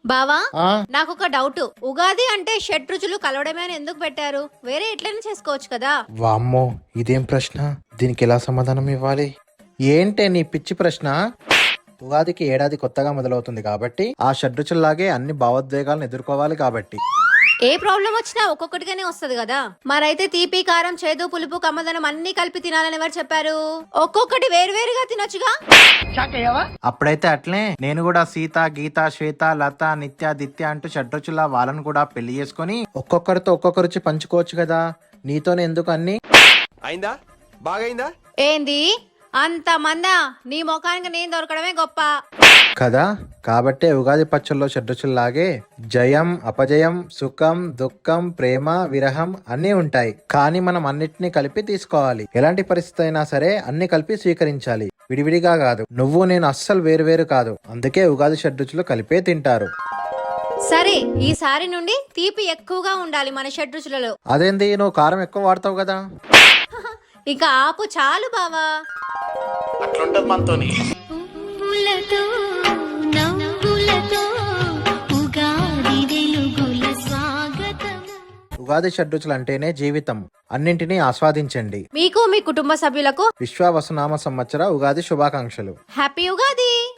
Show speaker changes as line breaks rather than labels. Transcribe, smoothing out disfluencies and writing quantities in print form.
బావా
ఆ
నాకు ఒక డౌట్. ఉగాది అంటే షడ్రుచులు కలవడమే అని ఎందుకు పెట్టారు? వేరే ఎట్లైనా చేసుకోవచ్చు కదా.
వామ్మో, ఇదేం ప్రశ్న? దీనికి ఎలా సమాధానం ఇవ్వాలి? ఏంటే నీ పిచ్చి ప్రశ్న? ఉగాదికి ఏడాది కొత్తగా మొదలవుతుంది కాబట్టి ఆ షడ్రుచుల్లాగే అన్ని భావోద్వేగాలను ఎదుర్కోవాలి కాబట్టి.
ఏ ప్రాబ్లం వచ్చినా ఒక్కొక్కటిగానే వస్తది కదా. మరైతే తీపి, కారం, చేదు, పులుపు, కమ్మదనం అన్ని కలిపి తినాలని ఎవరు చెప్పారు? ఒక్కొక్కటి వేరువేరుగా తినొచ్చుగా.
అప్పుడైతే అట్లే నేను కూడా సీత, గీత, శ్వేత, లత, నిత్య, దిత్య అంటూ షడ్రుచుల వాళ్ళను కూడా పెళ్లి చేసుకొని ఒక్కొక్కరితో ఒక్కొక్క రుచి పంచుకోవచ్చు కదా. నీతోనే ఎందుకు అన్ని?
అయిందా? బాగైందా?
ఏంది అంత మందా? నీ ముఖానికి నేను దొరకడమే గొప్ప
కదా. కాబట్టే ఉగాది పచ్చల్లో షడ్రుచుల్లాగే జయం, అపజయం, సుఖం, దుఃఖం, ప్రేమ, విరహం అన్నీ ఉంటాయి. కానీ మనం అన్నిటినీ కలిపి తీసుకోవాలి. ఎలాంటి పరిస్థితి అయినా సరే అన్ని కలిపి స్వీకరించాలి, విడివిడిగా కాదు. నువ్వు నేను అస్సలు వేరు కాదు. అందుకే ఉగాది షడ్రుచులు కలిపే తింటారు.
సరే, ఈసారి నుండి తీపి ఎక్కువగా ఉండాలి మన షడ్రుచులలో.
అదేంది, నువ్వు కారం ఎక్కువ వాడతావు కదా.
ఇక ఆపు చాలు బావా.
అట్లుంటది మనతోని.
పువ్వులతో నవ్వులతో ఉగాది వెలుగుల స్వాగతం.
ఉగాది షడ్రుచులు అంటేనే జీవితం. అన్నింటినీ ఆస్వాదించండి.
మీకు మీ కుటుంబ సభ్యులకు
విశ్వావసునామ సంవత్సర ఉగాది శుభాకాంక్షలు.
హ్యాపీ ఉగాది.